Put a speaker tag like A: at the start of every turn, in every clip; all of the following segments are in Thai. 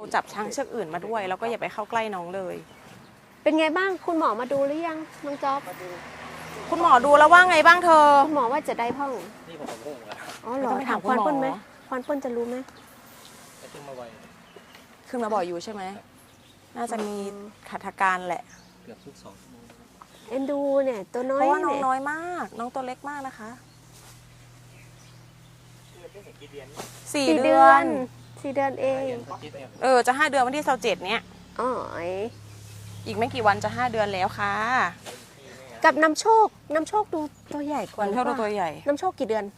A: จับช้างเชือกอื่นมาด้วยแล้วก็อย่าไปเข้าใกล้น้องเลย
B: เป็นไงบ้างคุณหมอมาดูหรือยังน้องจ๊อบ
A: คุณหมอดูแล้วว่าไงบ้างเธอ
B: คุณหมอว่าจะได้พ่อง
C: นี่ผมงงแล้ว
B: อ๋อเหรอ
A: ต้องไป
B: ถา
A: ถาม
B: มควาน
A: คุณหมอ
B: เปิ้ลไหมควานเปิ้ลจะรู้ไหม
C: จะขึ้นมาไว
A: ขึ้นมาบ่อยอยู่ใช่ไหมน่าจะมีขัดอาการแหละ
C: เกือบทุก2 ชั่วโมง
B: เอ็นดูเนี่ยตัวน้อ
A: เพ
B: ย
A: ราะว่าน้อง
B: เนี่ย
A: น้อยมาก น้องตัวเล็กมากนะคะ 4
B: 4
A: เดื
B: เดื
A: อ
B: อน น4 เดือนเอง
A: จะ5 เดือนวันที่27เนี้ย
B: อ๋อ
A: อีกไม่กี่วันจะ5 เดือนแล้วค่ะ
B: กับน้ำโชคดูตัวใหญ่กว่า
A: วันเท่า
B: หรือปล่
A: ตัวใหญ่
B: น้ำโชคกี่เดือน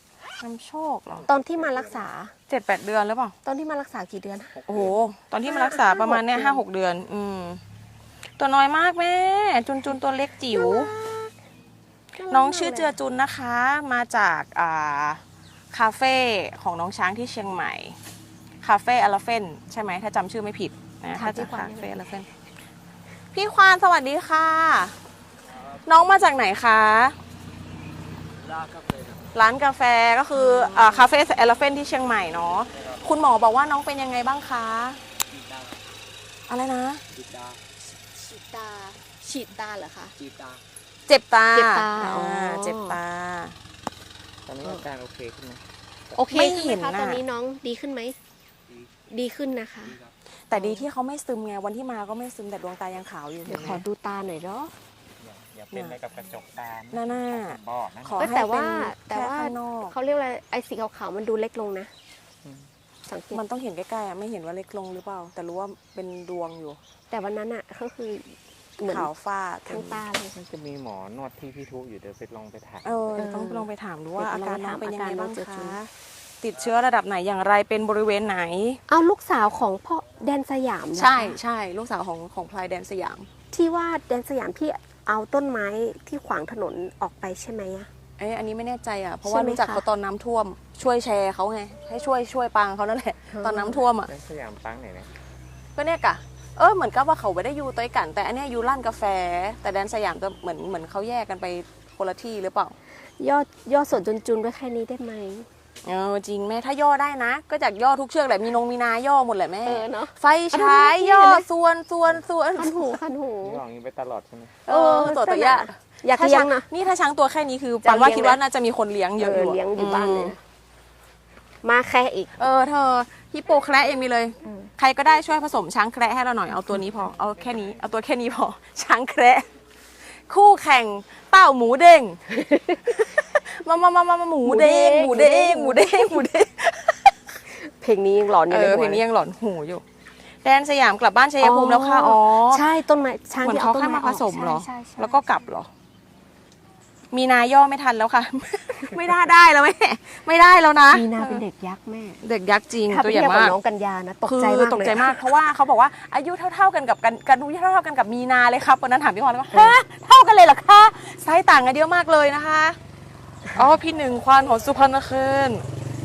B: 7
A: น้ำโชคเหรอ
B: ตอนที่มารักษา
A: 7-8 เดือนหรือเปล่า
B: ตอนที่มารักษากี่เดือน
A: โอ้โห ตอนที่มารักษาประมาณเนี้ย5-6 เดือน ตัวน้อยมากแม่ จุนตัวเล็กจิ๋ว น้องชื่อเจือจุนนะคะ มาจากคาเฟ่ของน้องช้างที่เชียงใหม่ คาเฟ่อลาเฟนใช่ไหมถ้าจำชื่อไม่ผิดนะถ้าจะคาเฟ่อลาเฟนพี่ควานสวัสดีค่ะ น้องมาจากไหนคะ
C: ลากก็เลยครับ
A: ร้านกาแฟก็คือคาเฟ่อลาเฟนที่เชียงใหม่เนาะ คุณหมอบอกว่าน้องเป็นยังไงบ้างคะ
C: จีตา
A: อะไรนะ
C: จีตา
B: ฉีดตาเหรอคะ
C: จีตา
A: เจ็บตา
B: เจ็บตา
A: อ่
B: อ๋อ
A: เจ็บตา
C: ตอนนี้อาการโอเคขึ้นไหม
B: โอเค
A: ไม่
B: ขึ้น
A: เห็
B: ไหม
A: น
B: คะ
A: น่ะ
B: ตอนนี้น้องดีขึ้นไหม ดีขึ้นนะคะ
C: ดีครับ
A: แต่ดีที่เขาไม่ซึมไง วันที่มาก็ไม่ซึมแต่ดวงตายังขาวอยู่
B: เดี๋ยว
A: ห็น
B: ขอ
A: ไหม
B: ดูตาหน่อยเนาะ
C: อย่าเป็นอะไรกับกระจกตา
A: หน้า
C: บอกนะ
A: ขอ
B: เอ้ย
A: ให้
B: แต่
A: เป็
B: ว่าน แต่
A: แค่
B: ว่า
A: ข้างนอก
B: เขาเรียกอะไรไอ้สีขาวๆมันดูเล็กลงนะ สังเกต
A: มันต้องเห็นใกล้ๆอะไม่เห็นว่าเล็กลงหรือเปล่า แต่รู้ว่าเป็นดวงอยู่
B: แต่วันนั้นอ่ะก็คือเหมือน
A: ขาวฟ้า
B: ทั้งตาเลย
C: มันจะมีหมอนวดที่พี่ทุกอยู่เดี๋ยวไปลองไปถ่าย
A: ต้องลองไปถามดูว่า
B: เดี๋
A: อา
B: ยว
A: การ
B: ลองไป
A: น้อง
B: ถาม
A: เป็นยังไง
B: อาการน้
A: บ้า
B: อง
A: ง
B: เจือจุน
A: คะ ติดเชื้อระดับไหนอย่างไรเป็นบริเวณไหน
B: เอาลูกสาวของพ่อแดนสยามนะคะ
A: ใช่ลูกสาวของพลายแดนสยาม
B: ที่ว่าแดนสยามที่เอาต้นไม้ที่ขวางถนนออกไปใช่ไหมอะ
A: อันนี้ไม่แน่ใจอ่ะเพราะ
B: ใช่
A: ว่า
B: ไหม
A: รู้จัก
B: คะ
A: เขาตอนน้ำท่วม ช่วยแชร์เขาไงให้ช่วยปังเขานั่นแหละตอนน้ำท่วมอ่ะ
C: ในสยามปังไหนเนี่ย
A: ก็เนี่ยกะเหมือนกับว่าเขาไม่ได้อยู่ตัวกัน แต่อันเนี้ยอยู่ร้านกาแฟ แต่แดนสยามจะเหมือนเขาแยกกันไปคนละที่หรือเปล่า
B: ย่อส่วนจุนๆไว้แค่นี้ได้ไหม
A: จริงแม่ถ้าย่อได้นะ ก็จากย่อทุกเชือกแหละมีมีนาย่อหมดแหละแม่
B: เนาะ
A: ไฟฉายย่อ
B: เอาดูดิ
A: ส่วน
B: คันหู
C: นี่ลองนี้ไปตลอดใช่ไหม
A: ตัวใหญ่
B: อยากเลี้ยงนะ
A: นี่ถ้าช้างตัวแค่นี้คือ
B: จะ
A: ปันว่า
B: เลี้ยง
A: คิดว่า
B: ไหม
A: น่าจะมีคนเลี้ยงเยอะอยู่
B: เลี้ยงอยู่บ้านเลยนะมาแค่อีก
A: เธอฮิปโปแคระยังมีเลย ใครก็ได้ช่วยผสมช้างแคระให้เราหน่อยเอาตัวนี้พอเอาแค่นี้เอาตัวแค่นี้พอ ช้างแคระคู่แข่งเต้าหมูเด้ง มาหมูเด้งหมูเด้งหมูเด้งหมูเด้ง
B: เพลงนี้ยังหลอนอยู่ในหัว
A: เพลงนี้ยังหลอนหูอยู่ แดนสยามกลับบ้านชัยภูมิแล้วค่ะอ๋อ
B: ใช่ต้นไม้ช้าง
A: เหมือน
B: ที่
A: เขา
B: เอาต้น
A: แค่
B: ไม้
A: มาผสมเหรอ
B: ใช่ใช่
A: แล้วก็กลับเหรอ มีนาย่อไม่ทันแล้วค่ะ ไม่ได้แล้วแม่ไม่ได้แล้วนะ
B: มีนาเป็นเด็กยักษ์แม่
A: เด็กยักษ์จริง
B: ถ้า
A: ตัว
B: ไป
A: ใหญ่
B: เทียบกับ
A: มาก
B: น้องกัญญานะตก
A: คือ
B: ใจมากเลย
A: ตกใจมากเพราะว่าเขาบอกว่าอายุเท่าๆกันกับกันอายุเท่าๆกันกับมีนาเลยครับวันนั้นถามพี่พรเลยว่าฮะเท่ากันเลยเหรอคะไซส์ต่างกันเยอะมากเลยนะคะอ๋อพี่หนึ่งควานของสุพรรณเคิน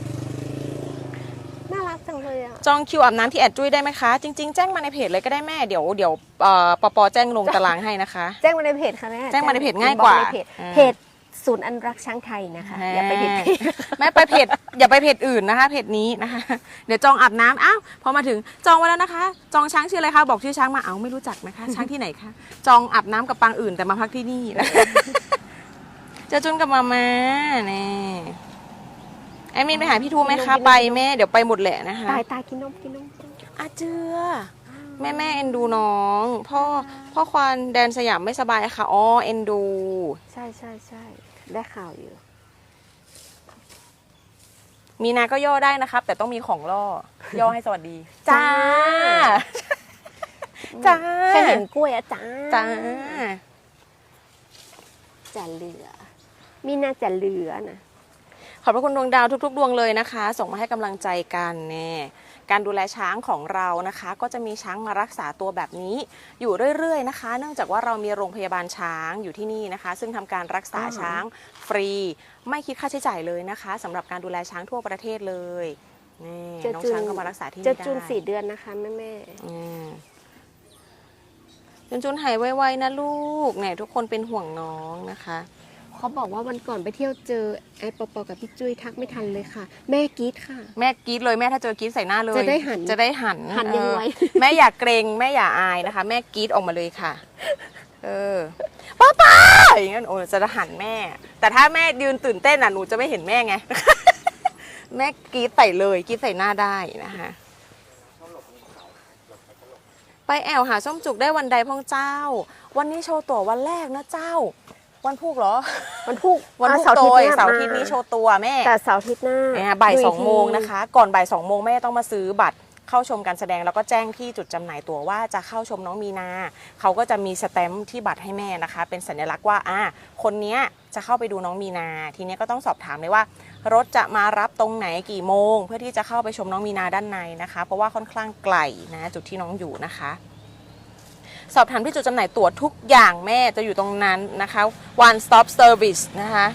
B: น่ารักจังเลยอ่ะ
A: จองคิวอาบน้ำที่แอดจุ้ยได้ไหมคะจริงๆแจ้งมาในเพจเลยก็ได้แม่เดี๋ยวปแจ้งลงตารางให้นะคะ
B: แจ้งมาในเพจค่ะแม่
A: แจ้งมาในเพจง่ายกว่า
B: ในเพจ
A: อ่า
B: เพจศูนย์อนุรักษ์ช้างไทยนะคะอย่าไปผิดเพจ
A: แม่ไปเพจอย่าไปเพจอื่นนะคะเพจนี้นะคะ เดี๋ยวจองอาบน้ำอ้าวพอมาถึงจองไว้แล้วนะคะ จองช้างชื่ออะไรคะบอกชื่อช้างมาเอาไม่รู้จักนะคะ ช้างที่ไหนคะจองอาบน้ำกับปางอื่นแต่มาพักที่นี่นะคะ เจะจุนกับมาม่านี่ไอมินไปหาพี่ทูไหมคะไปแม่เดี๋ยวไปหมดแหละนะคะ
B: ตายกินนม
A: อาเจือแม่เอ็นดูน้องพ่อควานแดนสยามไม่สบายค่ะอ๋อเอ็นดู
B: ใช่ได้ข่าวอยู่
A: มีนาก็ย่อได้นะครับ แต่ต้องมีของล่อย่อให้สวัสดี จ้า จ้า
B: แค่เห็นกล้วยอะจ้า
A: จ้า
B: จะเหลือ มีน่าจะเหลือนะ
A: ขอบพระคุณดวงดาวทุกๆดวงเลยนะคะ ส่งมาให้กำลังใจกันแน่การดูแลช้างของเรานะคะ ก็จะมีช้างมารักษาตัวแบบนี้ อยู่เรื่อยๆนะคะ เนื่องจากว่าเรามีโรงพยาบาลช้างอยู่ที่นี่นะคะ ซึ่งทำการรักษาช้างฟรี ไม่คิดค่าใช้จ่ายเลยนะคะสำหรับการดูแลช้างทั่วประเทศเลยนี่น้องช้างก็มารักษาที่นี่
B: จะ
A: ได้
B: จุน4 เดือนนะคะแม่
A: จุนหายไวๆนะลูกเนี่ยทุกคนเป็นห่วงน้องนะคะ
B: เขาบอกว่าวันก่อนไปเที่ยวเจอไอ้ปอปอกับพี่จุ้ยทักไม่ทันเลยค่ะ แม่กรี๊ดค่ะ
A: แม่กรี๊ดเลยแม่ถ้าเจอกรี๊ดใส่หน้าเลย
B: จะได้หัน
A: จะได้หัน
B: หันยังไง
A: แม่อย่าเกรงแม่อย่าอายนะคะ แม่กรี๊ดออกมาเลยค่ะ ป้าอย่างนั้นโอ้จะหันแม่ แต่ถ้าแม่ยืนตื่นเต้นอ่ะหนูจะไม่เห็นแม่ไง แม่กรี๊ดใส่เลยกรี๊ดใส่หน้าได้นะคะไปแอวหาส้มจุกได้วันใดพ่องเจ้า วันนี้โชว์ตั๋ววันแรกนะเจ้า วันพุกเหรอ
B: วันพุก
A: วันพุก
B: เสาร์
A: โด
B: อาทิต
A: ย
B: ย์
A: เสาร์อาทิตย์นี้โชว์ตัวแม่
B: แต่เสาร์อาทิตย์หน้า
A: บ่าย
B: ดู
A: ส
B: ก
A: อง
B: ที
A: โมงนะคะ ก่อนบ่าย2 โมงแม่ต้องมาซื้อบัตรเข้าชมการแสดงแล้วก็แจ้งที่จุดจำหน่ายตั๋วว่าจะเข้าชมน้องมีนาเขาก็จะมีสแตมป์ที่บัตรให้แม่นะคะ เป็นสัญลักษณ์ว่าคนเนี้ยจะเข้าไปดูน้องมีนา ทีนี้ก็ต้องสอบถามเลยว่า รถจะมารับตรงไหนกี่โมง เพื่อที่จะเข้าไปชมน้องมีนาด้านในนะคะ เพราะว่าค่อนข้างไกลนะจุดที่น้องอยู่นะคะ สอบถามที่จุดจำหน่ายตั๋วทุกอย่างแม่จะอยู่ตรงนั้นนะคะ one stop service นะคะ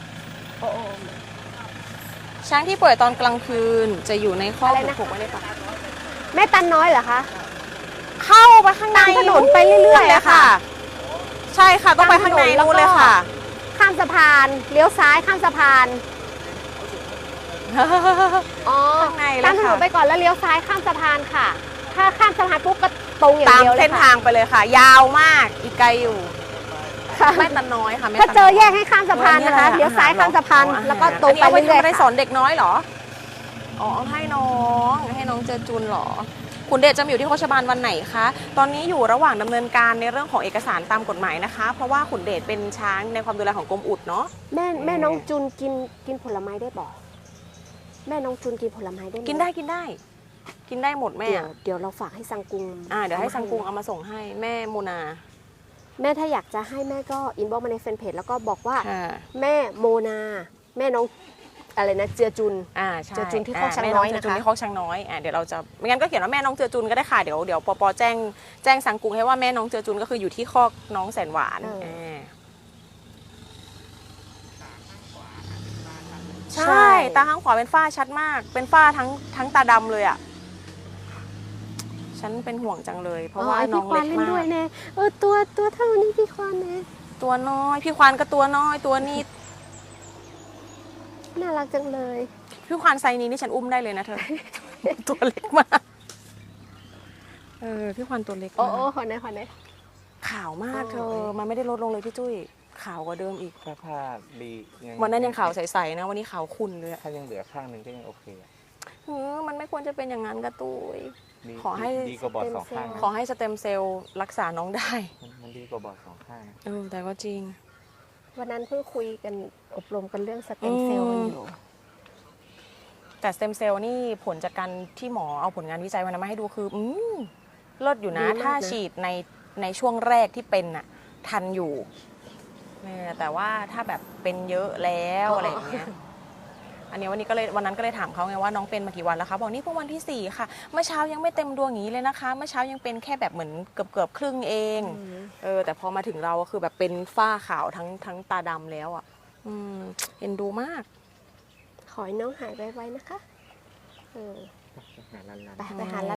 A: ช้างที่ป่วยตอนกลางคืนจะอยู่ในข้อกผูกไว้ในป่า
B: แม่ตันน้อยเหรอคะ
A: เข้าไปข้างใน
B: ตามถนนไปเรื่อยๆ
A: เลยค่ะ ใช่ค่ะต้องไปข้างในนู่นเลยค่ะ
B: ข้ามสะพานเลี้ยวซ้ายข้ามสะพานอ๋อ
A: ข้างในเลย
B: ตามถนน
A: ค่ะ
B: ไปก่อนแล้วเลี้ยวซ้ายข้ามสะพานค่ะ ถ้าข้ามสะพานปุ๊บก็ตรงอย่าง
A: ตาม
B: เดียวเลย
A: เส้น
B: ค่ะ
A: ทางไปเลยค่ะ ยาวมากอีกไกลอยู่
B: ค่ะ
A: แม่ตันน้อยค่ะแม่
B: ถ้า
A: ตัน
B: เจอ
A: น้ย
B: แยกให้ข้ามสะพานนะคะเลี้ยวซ้ายข้ามสะพานแล้วก็ตรงไป
A: อันนี้
B: เรื่อย
A: เอาไว้ทำอะไร
B: ๆ
A: สอ
B: ค่ะ
A: นเด็กน้อยเหรออ๋อให้น้องเจอจุนเหรอคุณเดชจะมาอยู่ที่โคชบาลวันไหนคะตอนนี้อยู่ระหว่างดำเนินการในเรื่องของเอกสารตามกฎหมายนะคะ เพราะว่าขุนเดชเป็นช้างในความดูแลของกรมอุดเนาะ
B: แม่น้องจุนกินผลไม้ได้บ่แม่น้องจุนกินผลไม้ได้ไหม
A: กินได้หมดแม่
B: เดี๋ยวเราฝากให้ซังกุง
A: เดี๋ยวให้ซังกุงเอามาส่งให้แม่โมนา
B: แม่ถ้าอยากจะให้แม่ก็อินบ็อกซ์มาในแฟนเพจแล้วก็บอกว่า
A: ค่ะ
B: แม่โมนา แม่น้องอะไรนะเจือจุน
A: ใช่
B: เจอจุนที่คอกช้างน้อยนะคะ
A: แม่เจอจุนที่คอกช้างน้อยเดี๋ยวเราจะไม่งั้นก็เขียนว่าแม่น้องเจอจุนก็ได้ค่ะเดี๋ยวปอแจ้งสังกุงให้ว่าแม่น้องเจอจุนก็คืออยู่ที่คอกน้องแสนหวานใช่ตาข้างขวาเป็นฝ้าชัดมาก เป็นฝ้าทั้งตาดำเลยอ่ะฉันเป็นห่วงจังเลย เพราะว่าน้องเล็ก
B: พี่ควานเล่น
A: มา
B: ด้วย
A: ก
B: แน่ตัวเท่านี้พี่ควานแน่
A: ตัวน้อยพี่ควานก็ตัวน้อยตัวนี้
B: น่ารักจังเลย
A: พี่ควานไซส์นี้นี่ฉันอุ้มได้เลยนะเธอ ตัวเล็กมากพี่ควานตัวเล็ก
B: โอ้
A: มาก
B: ขอไหน
A: ขาวมากเธอ มันไม่ได้ลดลงเลยพี่จุ้ยขาวกว่าเดิมอีก
C: ถ้าผ้าดี
A: วันนั้นยังขาวใสๆนะวันนี้ขาวขุ่นเลยอะ
C: ถ้ายังเหลือข้างหนึ่งก็ยังโอเคอะ
A: มันไม่ควรจะเป็นอย่างนั้นกระตุ้ย
C: ดี
A: ขอให้
C: ดีกว่าบอดสองข้างนะ
A: ขอให้สเต็มเซลล์รักษาน้องได้
C: มันดีกว่าบอดสองข้างนะ
A: แต่ก็จริง
B: วันนั้นเพิ่งคุยกันอบรมกันเรื่องสเต็มเซลล์กันอยู่
A: แต่สเต็มเซลล์นี่ผลจากการที่หมอเอาผลงานวิจัยมาให้ดูคือเลิศอยู่นะ
B: ดีมากนะ
A: ถ้าฉีดในช่วงแรกที่เป็นน่ะทันอยู่แต่ว่าถ้าแบบเป็นเยอะแล้วอะไรอย่างเงี้ยวันนั้นก็เลยถามเขาไงว่าน้องเป็นมากี่วันแล้วคะบอกนี่เพิ่งวันที่4ค่ะเมื่อเช้ายังไม่เต็มดวงอย่างนี้เลยนะคะเมื่อเช้ายังเป็นแค่แบบเหมือนเกือบครึ่งเองแต่พอมาถึงเราก็คือแบบเป็นฝ้าขาวทั้งตาดำแล้วอ่ะเอ็นดูมาก
B: ขอให้น้องหายไวๆนะคะ
C: หาลัน
B: ไปหา